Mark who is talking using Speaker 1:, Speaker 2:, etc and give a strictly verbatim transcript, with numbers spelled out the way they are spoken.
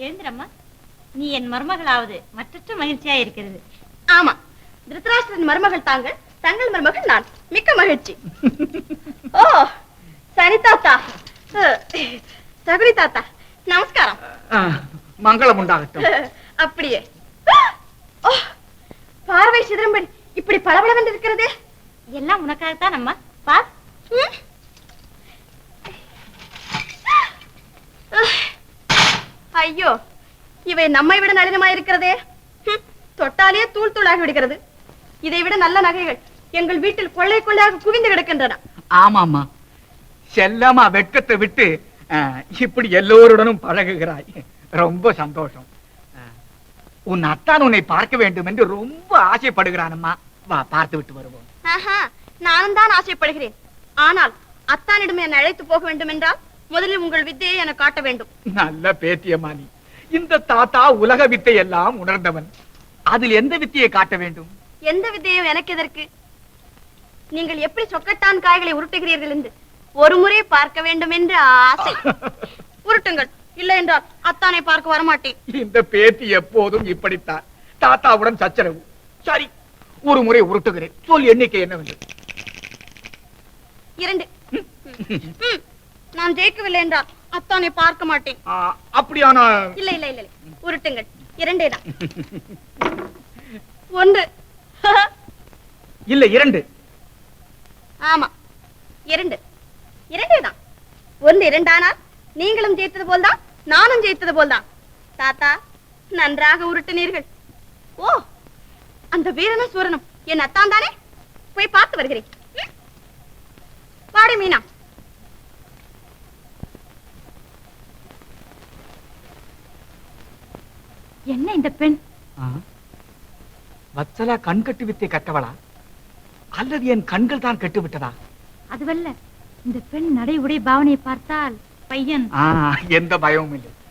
Speaker 1: எழுந்திரம்மா, நீ என் மருமகளாவது மற்றற்ற மகிழ்ச்சியா இருக்கிறது.
Speaker 2: ஆமா, திருதராஷ்டிரன் மருமகள் தாங்கள், தங்கள் மருமகள் நான். மிக்க மகிழ்ச்சி. ஓ சரி தாத்தா, சகுனி தாத்தா, நமஸ்காரம்.
Speaker 3: மங்களம் உண்டாகட்டும்.
Speaker 2: அப்படியே. பார்வை சிதம்பரம் இப்படி பளபளவென்று இருக்கிறதே.
Speaker 1: எல்லாம் உனக்காகத்தான் அம்மா. பார்.
Speaker 2: ஐயோ, இவை நம்மை விட நளினமாயிருக்கிறதே. தொட்டாலே தூள் தூளாகி விடுகிறது. இதை விட நல்ல நகைகள் எங்கள் வீட்டில் கொள்ளை கொள்ளையாக குவிந்து கிடக்கின்றன.
Speaker 3: ஆமாமா, செல்லமா வெட்கத்தை விட்டு இப்படி எல்லோருடனும் பழகுகிறாய். ரொம்ப சந்தோஷம். உன் அத்தான் உன்னை பார்க்க வேண்டும் என்று ரொம்ப ஆசைப்படுகிறானம்மா. வா, பார்த்து விட்டு வருவோம்.
Speaker 2: நானும் தான் ஆசைப்படுகிறேன். ஆனால் அத்தானிடம் என்னை அழைத்து போக வேண்டும் என்றால் முதலில் உங்கள் வித்தையை என காட்ட வேண்டும்.
Speaker 3: நல்ல பேத்தியம்மா நீ. இந்த தாத்தா உலக வித்தை எல்லாம் உணர்ந்தவன். அதில் எந்த வித்தையை காட்ட வேண்டும்?
Speaker 2: எந்த வித்தையும் எனக்கு எதற்கு? நீங்கள் எப்படி சொக்கட்டான் காய்களை உருட்டுகிறீர்கள் என்று ஒரு முறை பார்க்க வேண்டும் என்று ஆசை. உருட்டுங்கள், இல்லை என்றால் அத்தானை பார்க்க வரமாட்டேன்.
Speaker 3: இந்த பேத்தி எப்போதும் இப்படித்தான். தாத்தாவுடன் சச்சரவு. சரி, ஒரு முறை உருட்டுகிறேன். சொல், எண்ணிக்கை என்னவென்று?
Speaker 2: இரண்டு. நான் ஜெயிக்கவில்லை என்றால் அத்தானை பார்க்க மாட்டேன்.
Speaker 3: அப்படியானா?
Speaker 2: இல்லை இல்லை இல்லை, உருட்டுங்கள். இரண்டே தான். ஒன்று.
Speaker 3: இல்லை, இரண்டு.
Speaker 2: ஆமா, இரண்டு. இரண்டே தான். ஒன்று இரண்டானால் நீங்களும் ஜெயித்தது போல்தான், நானும் ஜெயித்தது போல்தான். தாத்தா, நன்றாக உருட்டினீர்கள். ஓ, அந்த வீரனும் சூரனும் என் அத்தான் தானே? போய் பார்த்து வருகிறேன். வாடி மீனா.
Speaker 1: என்ன இந்த பெண்?
Speaker 3: வத்சலா கண் கட்டு வித்தை கட்டவளா அல்லது என் கண்கள் தான் கட்டு விட்டதா?
Speaker 1: அதுவல்ல, இந்த பெண் நடை உடை பாவனையை பார்த்தால் பையன்.
Speaker 3: எந்த பயமும் இல்லை.